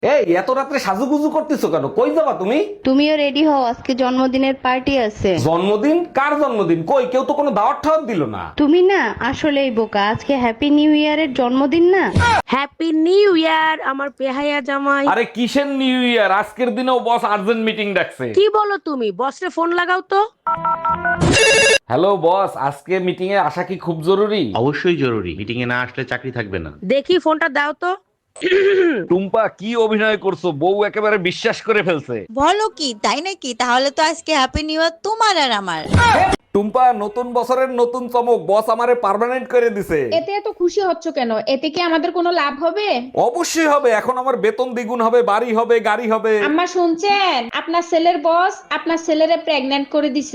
এই এত রাত্রে সাজুগুজু করতেছো কেন? কই যাবা তুমি? তুমিও রেডি হও, আজকে জন্মদিনের পার্টি আছে। জন্মদিন? কার জন্মদিন? কই কেউ তো কোনো দাওয়াত ঠাওয়াত দিল না। তুমি না আসলেই বোকা, আজকে হ্যাপি নিউ ইয়ারের জন্মদিন না। হ্যাপি নিউ ইয়ার আমার পেহাইয়া জামাই। আরে কিসের নিউ ইয়ার? আজকের দিনেও বস আর্জেন্ট মিটিং ডাকছে। কি বলো তুমি? বসরে ফোন লাগাও তো। হ্যালো বস, আজকে মিটিং এ আসা কি খুব জরুরি? অবশ্যই জরুরি, মিটিং এ না আসলে চাকরি থাকবে না। দেখি ফোনটা দাও তো। টুম্পা কি অভিনয় করছো? বউ একেবারে বিশ্বাস করে ফেলছে। বলো কি, তাই নাকি? তাহলে তো আজকে হ্যাপি নিউ ইয়ার তোমার আর আমার। টুম্পা, নতুন বছরের নতুন চমক, বস আমারে পার্মানেন্ট করে দিছে। এতে এত খুশি হচ্ছ কেন? এতে কি আমাদের কোনো লাভ হবে? অবশ্যই হবে, এখন আমার বেতন দ্বিগুণ হবে, বাড়ি হবে, গাড়ি হবে। আম্মা শুনছেন? আপনার ছেলের বস আপনার ছেলেরে প্রেগন্যান্ট করে দিছে।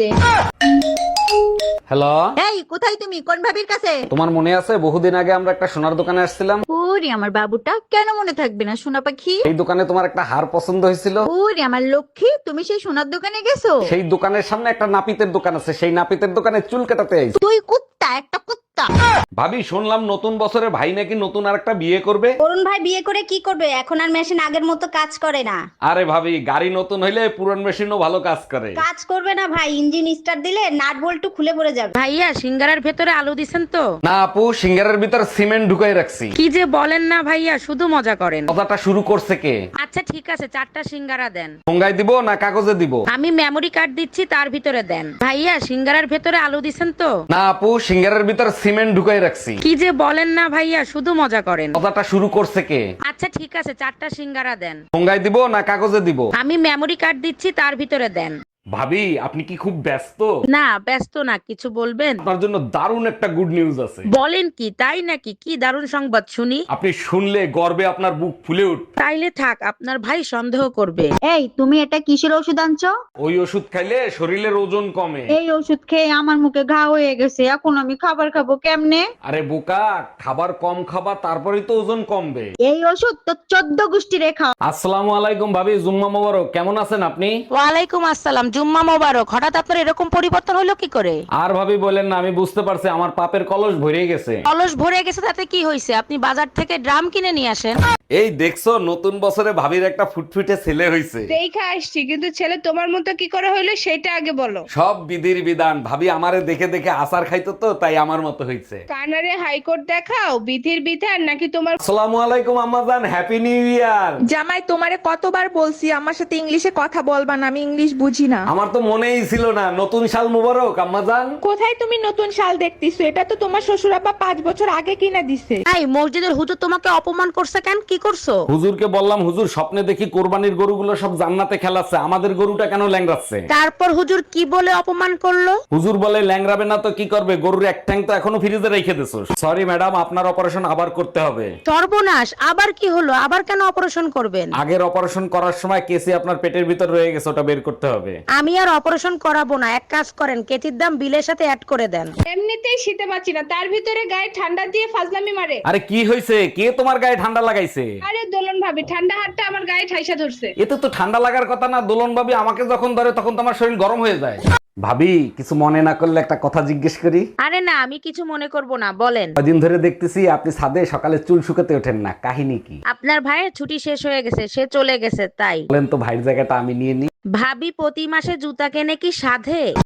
হ্যালো, এই কোথায় তুমি? কোন ভাবির কাছে? তোমার মনে আছে বহুদিন আগে আমরা একটা সোনার দোকানে আসছিলাম? ওরে আমার বাবুটা, কেন মনে থাকবে না সোনা পাখি? এই দোকানে তোমার একটা হার পছন্দ হয়েছিল। ওরে আমার লক্ষ্মী, তুমি সেই সোনার দোকানে গেছো? সেই দোকানের সামনে একটা নাপিতের দোকান আছে, সেই নাপিতের দোকানে চুল কাটাতে আইছি। তুই কুত্তা, একটা কুত্তা। ভাবি, শুনলাম নতুন বছরে ভাই নাকি নতুন আরেকটা বিয়ে করবে। অরুণ ভাই বিয়ে করে কি করবে? এখন আর মেশিন আগের মতো কাজ করে না। আরে ভাবি, গাড়ি নতুন হইলে পুরান মেশিনও ভালো কাজ করে। কাজ করবে না ভাই, ইঞ্জিন স্টার্ট দিলে নাট বল্টু খুলে পড়ে যাবে। ভাইয়া সিঙ্গারার ভেতরে আলু দিছেন তো? না আপু, সিঙ্গারের ভিতর সিমেন্ট ঢুকাই রাখছি। কি যে বলেন না ভাইয়া, শুধু মজা করেন। কথাটা শুরু করছে কে? আচ্ছা ঠিক আছে, 4টা সিঙ্গারা দেন। ঠোঙ্গায় দিব না কাগজে দিব? আমি মেমরি কার্ড দিচ্ছি, তার ভিতরে দেন। ভাইয়া সিঙ্গারার ভেতরে আলু দিছেন তো? না আপু, সিঙ্গারের ভিতর সিমেন্ট ঢুকাই রাখছি। কি যে বলেন না ভাইয়া, শুধু মজা করেন। কথাটা শুরু করছে কে? আচ্ছা ঠিক আছে, 4টা সিঙ্গারা দেন। ঠোঙ্গায় দিব না কাগজে দিব? আমি মেমরি কার্ড দিচ্ছি, তার ভিতরে দেন। ভাবি, আপনি কি খুব ব্যস্ত? না ব্যস্ত না, কিছু বলবেন? আপনার জন্য দারুণ একটা গুড নিউজ আছে। বলেন কি, তাই নাকি? কি দারুণ সংবাদ শুনি। আপনি শুনলে গর্বে আপনার বুক ফুলে উঠবে। তাইলে থাক, আপনার ভাই সন্দেহ করবে। এই তুমি এটা কিসের ওষুধ আনছো? ওই ওষুধ খাইলে শরীরের ওজন কমে। এই ওষুধ খেয়ে আমার মুখে ঘা হয়ে গেছে, এখন আমি খাবার খাবো কেমনে? আরে বোকা, খাবার কম খাবা, তারপরেই তো ওজন কমবে। এই ওষুধ তো 14 গোষ্ঠী রেখা। আসসালামু আলাইকুম ভাবি, জুম্মা মোবারক। কেমন আছেন আপনি? ওয়ালাইকুম আসসালাম, জুম্মা মোবারক। হঠাৎ আপনার এরকম পরিবর্তন হলো কি করে? আর ভাবি বলেন না, আমি বুঝতে পারছি আমার পাপের কলস ভরে গেছে। অলস ভরে গেছে তাতে কি হয়েছে? আপনি বাজার থেকে ড্রাম কিনে নিয়ে আসেন। এই দেখছো, নতুন বছরে ভাবির একটা ফুটফুটে ছেলে হইছে। দেখে আসছি, কিন্তু ছেলে তোমার মতো কি করে হইলো সেটা আগে বলো। সব বিধির বিধান। ভাবি আমারে দেখে দেখে আচার খাইতো তো, তাই আমার মতো হইছে। কানারে হাইকোর্ট দেখাও, বিধির বিধান নাকি তোমার? আসসালামু আলাইকুম আম্মাজান, হ্যাপি নিউ ইয়ার। জামাই, তোমারে কতবার বলছি আমার সাথে ইংলিশে কথা বলবা না, আমি ইংলিশ বুঝি না। আমার তো মনেই ছিল না। নতুন সাল মুবারক আম্মাজান। কোথায় তুমি নতুন শাল দেখতেছো? এটা তো তোমার শ্বশুর আব্বা 5 বছর আগে কিনা দিছে। এই মসজিদের হুজুর তোমাকে অপমান করছে কেন? কি করছো? হুজুরকে বললাম, হুজুর স্বপ্নে দেখি কোরবানির গরুগুলো সব জান্নাতে খেলাচ্ছে, আমাদের গরুটা কেন ল্যাংড়াচ্ছে? তারপর হুজুর কি বলে অপমান করলো? হুজুর বলে, ল্যাংড়াবে না তো কি করবে, গরুর এক ঠ্যাং তো এখনো ফ্রিজে রেখে দিছো। সরি ম্যাডাম, আপনার অপারেশন আবার করতে হবে। সর্বনাশ, আবার কি হলো? আবার কেন অপারেশন করবেন? আগের অপারেশন করার সময় কেসি আপনার পেটের ভিতর রয়ে গেছে, ওটা বের করতে হবে। আমি আর অপারেশন করাবো না, এক কাজ করেন, কেতির দাম বিলের সাথে অ্যাড করে দেন। এমনিতেই শীতে পাচ্ছি না, তার ভিতরে গায়ে ঠান্ডা দিয়ে ফাজলামি মারে। আরে কি হয়েছে? কে তোমার গায়ে ঠান্ডা লাগাইছে? আরে দোলন ভাবি, ঠান্ডা হাতটা আমার গায়ে ঠাইসা ধরছে। এতে তো ঠান্ডা লাগার কথা না। দোলন ভাবি আমাকে যখন ধরে তখন তো আমার শরীর গরম হয়ে যায়। ভাবি, কিছু মনে না করলে একটা কথা জিজ্ঞেস করি? আরে না, আমি কিছু মনে করব না, বলেন। কদিন ধরে দেখতেছি আপনি ছাদে সকালে চুল শুকাতে ওঠেন না, কাহিনী কি? আপনার ভাইয়ের ছুটি শেষ হয়ে গেছে, সে চলে গেছে তাই। বলেন তো, ভাইয়ের জায়গাটা আমি নিয়ে নিই। ভাবি প্রতি মাসে জুতা কেনে কি সাধে?